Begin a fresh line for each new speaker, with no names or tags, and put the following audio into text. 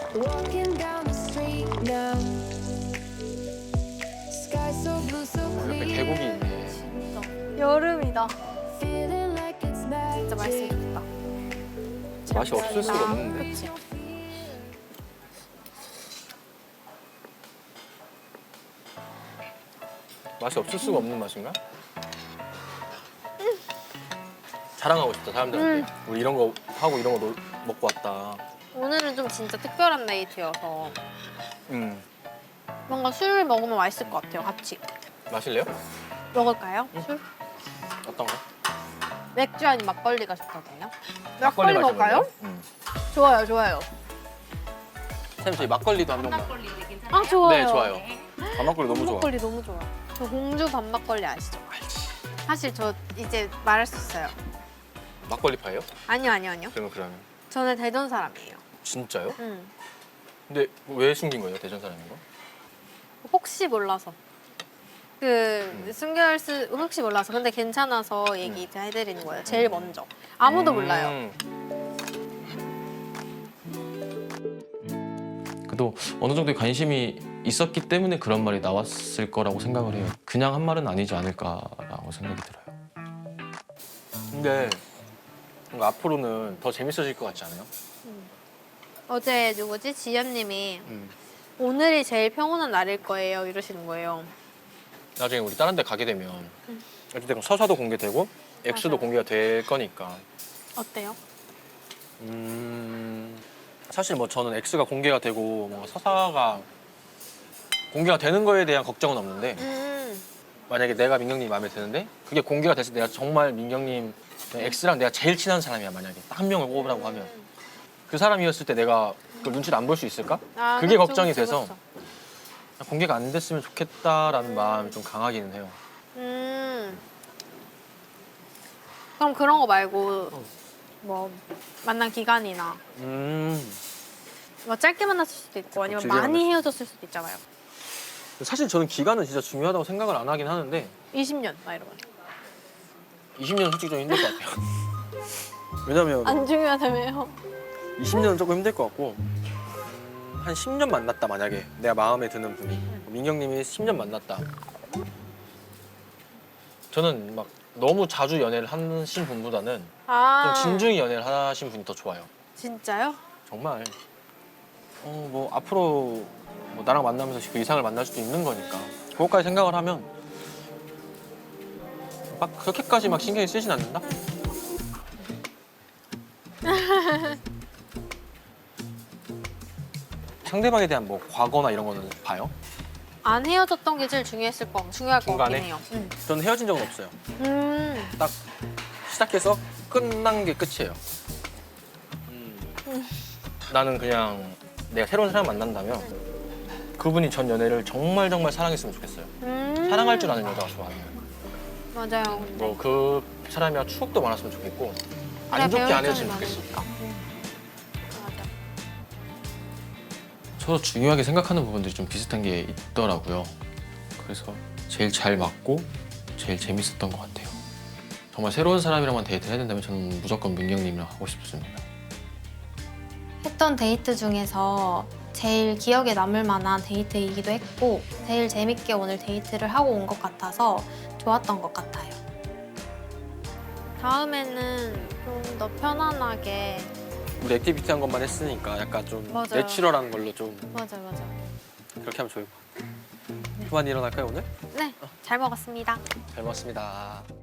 Walking down the street now. Sky so blue, so
옆에
clear.
계곡이 있네.
진짜 여름이다.
Feeling like it's
진짜 맛있으면 좋겠다.
맛이 없을 수가 없는데.
그치?
맛이 없을 수가 없는 맛인가? 자랑하고 싶다 사람들한테. 우리 이런 거 하고 이런 거 먹고 왔다.
오늘은 좀 진짜 특별한 데이트여서
음.
뭔가 술 먹으면 맛있을 것 같아요. 같이.
마실래요?
먹을까요? 술?
어떤 거?
맥주 아니면 막걸리가 좋거든요. 막걸리 먹을까요?
마셔볼래요?
좋아요, 좋아요.
쌤 저희 막걸리도 한 병만.
아, 좋아요.
네 좋아요. 밤막걸리 너무 좋아.
막걸리 너무 좋아. 저 공주 밤막걸리 아시죠?
알지.
사실 저 이제 말할 수 있어요.
막걸리 파예요?
아니요, 아니요, 아니요.
그러면
저는 대전 사람이에요.
진짜요?
응.
근데 왜 숨긴 거예요 대전 사람인 거?
혹시 몰라서. 숨길 수 혹시 몰라서. 근데 괜찮아서 얘기 이제 해드리는 거예요. 제일 먼저. 아무도 몰라요.
그래도 어느 정도의 관심이 있었기 때문에 그런 말이 나왔을 거라고 생각을 해요. 그냥 한 말은 아니지 않을까라고 생각이 들어요.
근데 뭔가 앞으로는 더 재밌어질 것 같지 않아요?
어제 누구지? 지연님이 오늘이 제일 평온한 날일 거예요. 이러시는 거예요.
나중에 우리 다른 데 가게 되면 어쨌든 서사도 공개되고 액수도
맞아요.
공개가 될 거니까
어때요?
사실 뭐 저는 액수가 공개가 되고 뭔가 서사가 공개가 되는 거에 대한 걱정은 없는데 만약에 내가 민경님이 마음에 드는데 그게 공개가 됐을 때 내가 정말 민경님 X랑 내가 제일 친한 사람이야 만약에 딱 한 명을 꼽으라고 하면 그 사람이었을 때 내가 그 눈치를 안 볼 수 있을까?
아,
그게
그쵸,
걱정이
그쵸,
돼서
그쵸.
공개가 안 됐으면 좋겠다라는 마음이 좀 강하기는 해요.
그럼 그런 거 말고 뭐 만난 기간이나 뭐 짧게 만났을 수도 있고 아니면
길게
많이
만났을
헤어졌을 수도 있잖아요.
사실 저는 기간은 진짜 중요하다고 생각을 안 하긴 하는데
20년 막 이러면.
20년은 솔직히 좀 힘들 것 같아요. 왜냐면
안 중요하다며요.
20년은 조금 힘들 것 같고 한 10년 만났다 만약에 내가 마음에 드는 분이 민경님이 10년 만났다 저는 막 너무 자주 연애를 하신 분보다는
아,
좀 진중히 연애를 하신 분이 더 좋아요.
진짜요?
정말 뭐 앞으로 뭐 나랑 만나면서 그 이상을 만날 수도 있는 거니까 그것까지 생각을 하면 막 그렇게까지 막 신경이 쓰진 않는다? 상대방에 대한 뭐 과거나 이런 거는 봐요?
안 헤어졌던 게 제일 중요할 것
중간에?
같긴 해요.
저는 헤어진 적은 없어요.
음.
딱 시작해서 끝난 게 끝이에요. 나는 그냥 내가 새로운 사람 만난다면 그분이 전 연애를 정말 정말 사랑했으면 좋겠어요. 사랑할 줄 아는 여자가 좋아요.
맞아요. 근데.
뭐 그 사람이랑 추억도 많았으면 좋겠고 안 좋게 안 해줬으면 좋겠어.
맞아.
서로 중요하게 생각하는 부분들이 좀 비슷한 게 있더라고요. 그래서 제일 잘 맞고 제일 재밌었던 것 같아요. 정말 새로운 사람이랑만 데이트를 해야 된다면 저는 무조건 민경님이랑 하고 싶습니다.
했던 데이트 중에서 제일 기억에 남을 만한 데이트이기도 했고 제일 재밌게 오늘 데이트를 하고 온 것 같아서 좋았던 것 같아요.
다음에는 좀 더 편안하게.
우리 액티비티 한 것만 했으니까 약간 좀
맞아요.
내추럴한 걸로 좀
맞아.
그렇게 하면 좋을 것 같아요. 그만 일어날까요 오늘?
네, 잘 먹었습니다.
잘 먹었습니다.